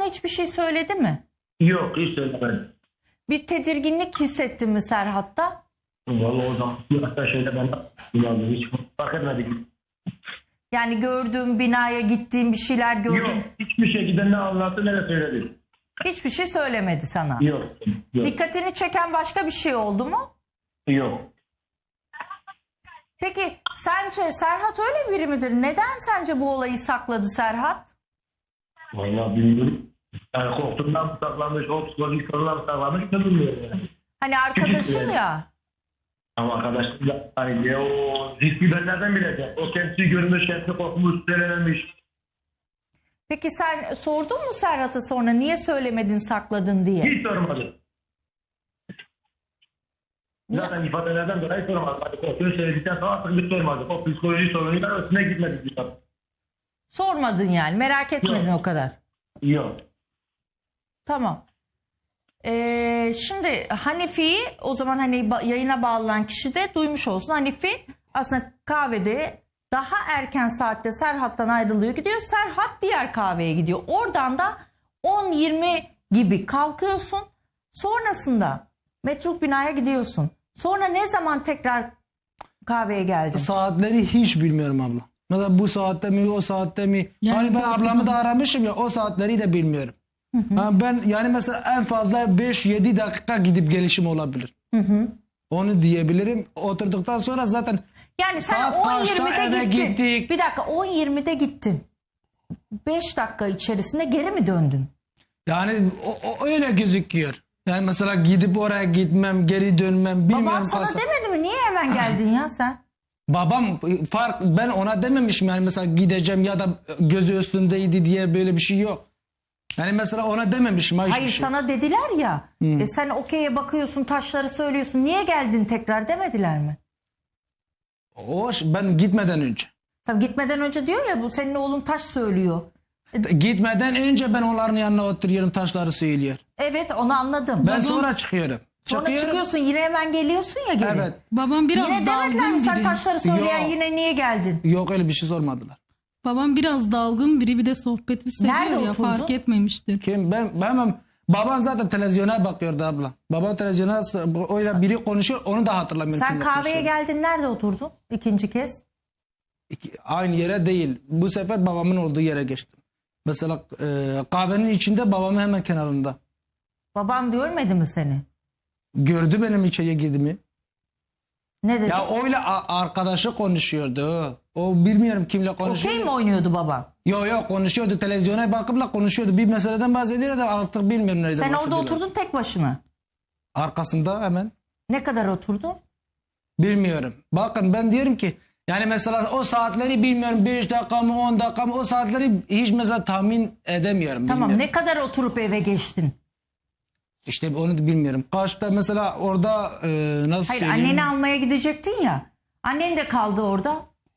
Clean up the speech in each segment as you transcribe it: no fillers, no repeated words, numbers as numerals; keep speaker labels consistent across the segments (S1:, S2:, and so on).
S1: hiçbir şey söyledi mi?
S2: Yok, hiç söylemedim.
S1: Bir tedirginlik hissettin mi Serhat'ta?
S2: Vallahi o zaman hatta şeyde ben hiç fark etmedik.
S1: Yani gördüğün binaya gittiğin bir şeyler gördün.
S2: Yok, hiçbir şekilde ne anlattı ne de söyledi.
S1: Hiçbir şey söylemedi sana.
S2: Yok.
S1: Dikkatini çeken başka bir şey oldu mu?
S2: Yok.
S1: Peki sence Serhat öyle biri midir? Neden sence bu olayı sakladı Serhat?
S2: Vallahi bilmiyorum. Yani korktuğundan mı saklanmış, o psikolojik sorunlar mı saklanmış ne bilmiyorum yani.
S1: Hani arkadaşın ya.
S2: Ama arkadaşım da hani ya o riski ben nereden bileceğim? O kendisi görmüş, kendisi korkmuş, söylememiş.
S1: Peki sen sordun mu Serhat'a sonra niye söylemedin sakladın diye?
S2: Hiç sormadım. Zaten ifadelerden dolayı sormadım. Hani korkuyu söyledikten sonra artık bir sormadım. O psikoloji sorunuyla üstüne gitmedik.
S1: Sormadın yani merak etmedin
S2: Yok.
S1: o kadar.
S2: Yok.
S1: Tamam. Şimdi Hanifi'yi o zaman hani yayına bağlanan kişi de duymuş olsun. Hanifi aslında kahvede daha erken saatte Serhat'tan ayrılıyor gidiyor. Serhat diğer kahveye gidiyor. Oradan da 10-20 gibi kalkıyorsun. Sonrasında metruk binaya gidiyorsun. Sonra ne zaman tekrar kahveye geldin?
S3: Saatleri hiç bilmiyorum abla. Mesela bu saatte mi o saatte mi?
S4: Yani
S3: hani ben ablamı da aramışım ya o saatleri de bilmiyorum. Ha, ben yani mesela en fazla 5-7 dakika gidip gelişim olabilir. Onu diyebilirim. Oturduktan sonra zaten
S1: Yani sen
S3: saat kaçta
S1: 10-20'de
S3: eve
S1: gittin.
S3: gittik.
S1: Bir dakika 10-20'de gittin. 5 dakika içerisinde geri mi döndün?
S3: Yani o öyle gözüküyor. Yani mesela gidip oraya gitmem, geri dönmem bilmiyorum.
S1: Baban sana demedi mi? Niye hemen geldin ya sen?
S3: Babam ben ona dememişim yani mesela gideceğim ya da gözü üstündeydi diye böyle bir şey yok. Yani mesela ona dememişim.
S1: Hayır sana dediler ya. Sen okey'e bakıyorsun taşları söylüyorsun. Niye geldin tekrar demediler mi?
S3: Ben gitmeden önce.
S1: Tabii gitmeden önce diyor ya bu senin oğlun taş söylüyor.
S3: Gitmeden önce ben onların yanına oturuyorum taşları söylüyor.
S1: Evet onu anladım.
S3: Ben sonra çıkıyorum.
S1: Sonra çıkıyorsun yine hemen geliyorsun ya geri.
S3: Evet.
S4: Babam biraz
S1: Yine demediler mi
S4: dalgın
S1: sen
S4: biri.
S1: taşları söyleyen
S3: Yok.
S1: yine niye geldin?
S3: Yok öyle bir şey sormadılar.
S4: Babam biraz dalgın biri, bir de sohbeti seviyor
S1: Nerede
S4: ya,
S1: oturdun?
S4: fark etmemiştir.
S3: Kim? Babam zaten televizyona bakıyordu abla. Babam televizyona öyle biri konuşuyor onu da hatırlamıyorum.
S1: Sen
S3: kimle
S1: kahveye
S3: konuşuyor.
S1: geldin nerede oturdun ikinci kez?
S3: Aynı yere değil. Bu sefer babamın olduğu yere geçtim. Mesela kahvenin içinde babamın hemen kenarında.
S1: Babam görmedi mi seni?
S3: Gördü benim içeriye girdiğimi.
S1: Ne dedi?
S3: Ya öyle arkadaşı konuşuyordu. O bilmiyorum kimle konuşuyordu.
S1: Okey mi oynuyordu baba?
S3: Yok konuşuyordu. Televizyona bakıp konuşuyordu. Bir meseleden bahsediyor da artık bilmiyorum nereden
S1: Sen orada
S3: bahsediyorlar.
S1: oturdun tek başına.
S3: Arkasında hemen.
S1: Ne kadar oturdun?
S3: Bilmiyorum. Bakın ben diyorum ki yani mesela o saatleri bilmiyorum 5 dakika mı 10 dakika mı o saatleri hiç mesela tahmin edemiyorum.
S1: Tamam
S3: bilmiyorum.
S1: ne kadar oturup eve geçtin?
S3: İşte onu da bilmiyorum. Kaçta mesela orada nasıl
S1: Hayır
S3: söyleyeyim?
S1: anneni almaya gidecektin ya. Annen de kaldı orada.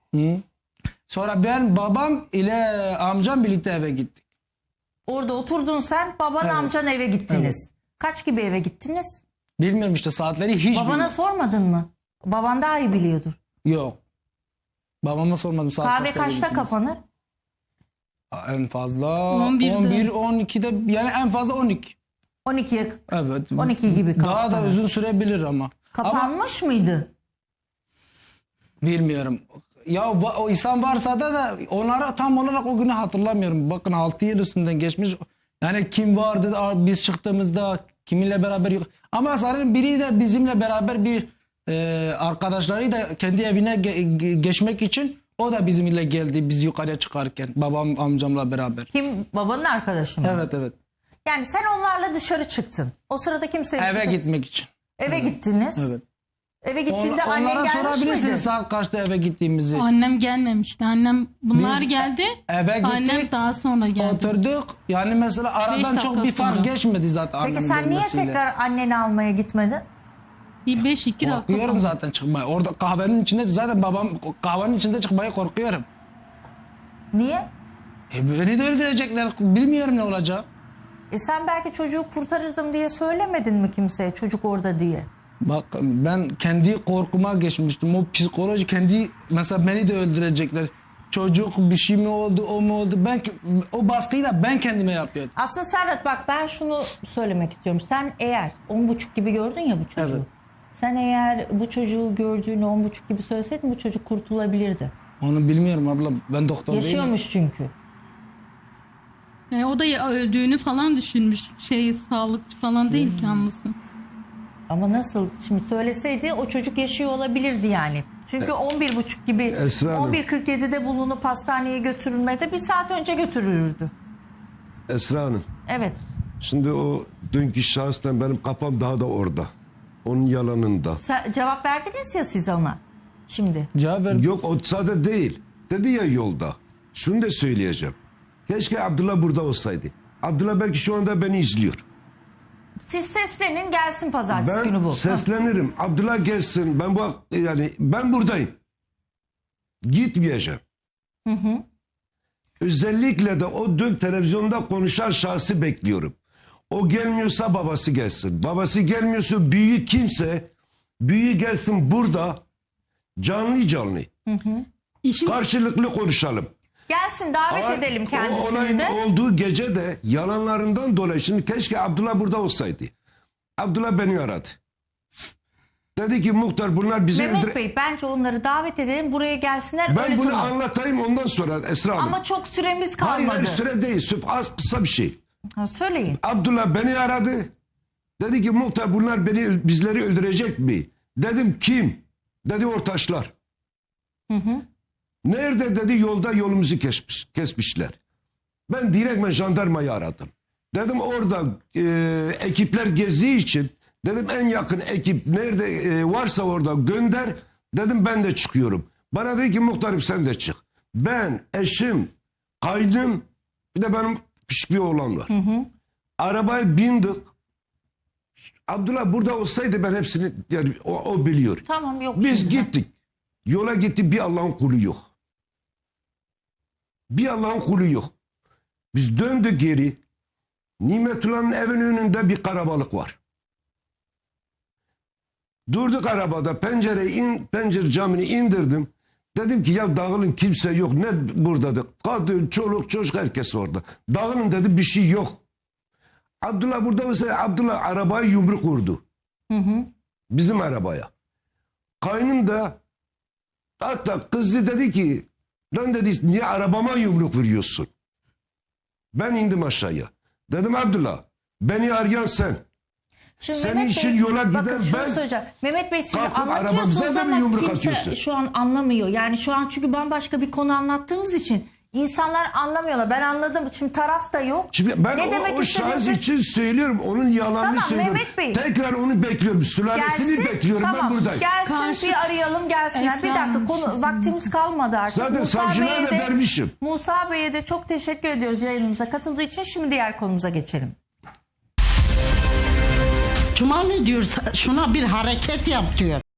S3: Sonra ben babam ile amcam birlikte eve gittik.
S1: Orada oturdun sen baban
S3: Evet.
S1: amcan eve gittiniz. Kaç gibi eve gittiniz?
S3: Bilmiyorum işte saatleri hiç
S1: Babana
S3: bilmiyorum.
S1: sormadın mı? Baban daha iyi biliyordur.
S3: Yok. Babama sormadım saat
S1: Kahve
S3: eve
S1: kaçta
S3: gittiniz.
S1: kapanır?
S3: En fazla
S4: 11'de.
S3: 11 12'de yani en fazla 12.
S1: 12'ye
S3: Evet.
S1: 12 gibi
S3: Daha da
S1: kapanır.
S3: uzun sürebilir ama. Ama
S1: Kapanmış mıydı?
S3: bilmiyorum. Ya o insan varsa da onlara tam olarak o günü hatırlamıyorum. Bakın 6 yıl üstünden geçmiş. Yani kim vardı biz çıktığımızda kiminle beraber yok. Ama sanırım biri de bizimle beraber bir arkadaşları da kendi evine geçmek için o da bizimle geldi biz yukarıya çıkarken babam amcamla beraber.
S1: Kim? Babanın arkadaşı mı?
S3: Evet.
S1: Yani sen onlarla dışarı çıktın. O sırada kimse
S3: Eve gitmek için.
S1: Eve gittiniz.
S3: Evet.
S1: Eve gittiğinde annen
S3: Onlara
S1: gelmiş
S3: sorabilirsiniz
S1: miydi?
S3: saat kaçta eve gittiğimizi.
S4: Annem gelmemişti. Bunlar
S3: Biz
S4: geldi.
S3: eve gittik.
S4: Annem daha sonra geldi.
S3: Oturduk. Yani mesela aradan
S4: 5
S3: çok
S4: dakika
S3: bir fark
S4: sonra.
S3: geçmedi zaten.
S1: Peki
S3: annemin
S1: sen niye
S3: gelmesiyle.
S1: tekrar anneni almaya gitmedin?
S4: Bir 5-2 dakika
S3: Korkuyorum
S4: sonra.
S3: zaten çıkmaya. Orada kahvenin içinde zaten babam kahvenin içinde çıkmaya korkuyorum.
S1: Niye?
S3: Beni de öldürecekler. Bilmiyorum ne olacak.
S1: Sen belki çocuğu kurtarırdım diye söylemedin mi kimseye çocuk orada diye?
S3: Bak ben kendi korkuma geçmiştim. O psikoloji kendi mesela beni de öldürecekler. çocuk bir şey mi oldu, o mu oldu? O baskıyı da ben kendime yapıyordum.
S1: Aslında Serhat bak ben şunu söylemek istiyorum. Sen eğer 10.30 gibi gördün ya bu çocuğu.
S3: Evet.
S1: Sen eğer bu çocuğu gördüğünü 10.30 gibi söyleseydin bu çocuk kurtulabilirdi.
S3: Onu bilmiyorum abla. Ben doktor değilim.
S1: Yaşıyormuş çünkü.
S4: O da öldüğünü falan düşünmüş. Sağlıkçı falan değil ki anlasın.
S1: Ama nasıl şimdi söyleseydi o çocuk yaşıyor olabilirdi yani. Çünkü 11.30 gibi
S5: Esra Hanım.
S1: 11.47'de bulunup hastaneye götürülmede bir saat önce götürülürdü.
S5: Esra Hanım.
S1: Evet.
S5: Şimdi o dünkü şahıstan benim kafam daha da orada. Onun yalanında.
S1: Cevap verdiniz ya siz ona. Şimdi.
S3: Cevap ver.
S5: Yok o sade değil. Dedi ya yolda. Şunu da söyleyeceğim. Keşke Abdullah burada olsaydı. Abdullah belki şu anda beni izliyor.
S1: Siz seslenin gelsin pazartesi günü
S5: Ben
S1: bu.
S5: seslenirim. Abdullah gelsin. Ben buradayım. Gitmeyeceğim. Özellikle de o dün televizyonda konuşan şahsı bekliyorum. O gelmiyorsa babası gelsin. Babası gelmiyorsa büyüğü kimse büyüğü gelsin burada canlı.
S4: İşin
S5: Karşılıklı konuşalım.
S1: Gelsin davet edelim
S5: O
S1: kendisini
S5: olayın
S1: de.
S5: olduğu gece de yalanlarından dolayı şimdi keşke Abdullah burada olsaydı. Abdullah beni aradı. Dedi ki muhtar bunlar bizi
S1: Mehmet Bey bence onları davet edelim buraya gelsinler.
S5: Ben
S1: öyle
S5: bunu
S1: tamam.
S5: anlatayım ondan sonra Esra Hanım.
S1: Ama çok süremiz
S5: Hayır,
S1: kalmadı.
S5: hayır süre değil. Az kısa bir şey.
S1: Ha, söyleyin.
S5: Abdullah beni aradı. Dedi ki muhtar bunlar bizleri öldürecek mi? Dedim kim? Dedi Ortaçlar. Nerede dedi yolda yolumuzu kesmişler. Ben direktmen jandarmayı aradım. Dedim orada ekipler gezdiği için dedim en yakın ekip nerede varsa orada gönder. Dedim ben de çıkıyorum. Bana dedi ki muhtarım sen de çık. Ben, eşim, kaynım bir de benim küçük bir oğlan var. Arabaya bindik. Abdullah burada olsaydı ben hepsini yani o biliyor.
S1: Tamam yok.
S5: Biz
S1: şimdi.
S5: gittik. Yola gittik bir Allah'ın kulu yok. Bir Allah'ın kulu yok. Biz döndük geri. Nimetullah'ın evinin önünde bir karabalık var. Durduk arabada pencere camını indirdim. Dedim ki ya dağılın kimse yok. Ne buradadır? Kadın, çoluk, çocuk herkes orada. Dağılın dedi bir şey yok. Abdullah burada olsa Abdullah arabaya yumruk vurdu. Bizim arabaya. Kaynım da hatta kızı dedi ki lan dedi niye arabama yumruk vuruyorsun? Ben indim aşağıya. Dedim Abdullah beni arayan sen.
S1: Şimdi
S5: Senin
S1: Mehmet
S5: için
S1: Bey,
S5: yola giden
S1: bakın şunu
S5: ben-
S1: söyleyeceğim. Mehmet Bey siz
S5: Kalktım,
S1: anlatıyorsunuz
S5: arabamıza da bir
S1: ama
S5: yumruk
S1: kimse
S5: atıyorsun.
S1: şu an anlamıyor. Yani şu an çünkü bambaşka bir konu anlattığınız için insanlar anlamıyorlar. Ben anladım. Şimdi taraf da yok.
S5: Şimdi ben
S1: ne demek
S5: o şahıs
S1: istediğinizi-
S5: için söylüyorum. Onun yalanını
S1: Tamam,
S5: söylüyorum.
S1: Mehmet Bey.
S5: Tekrar onu bekliyorum. Sülalesini bekliyorum.
S1: tamam,
S5: Ben buradayım.
S1: Gelsin
S4: Karşı-
S1: bir arayalım gelsinler.
S4: Esra
S1: Bir dakika
S4: Hanım,
S1: konu
S4: kesinlikle.
S1: vaktimiz kalmadı artık.
S5: Zaten savcılığa da vermişim.
S1: Musa Bey'e de çok teşekkür ediyoruz yayınımıza katıldığı için. Şimdi diğer konumuza geçelim.
S6: Cuma ne diyor? Şuna bir hareket yap diyor.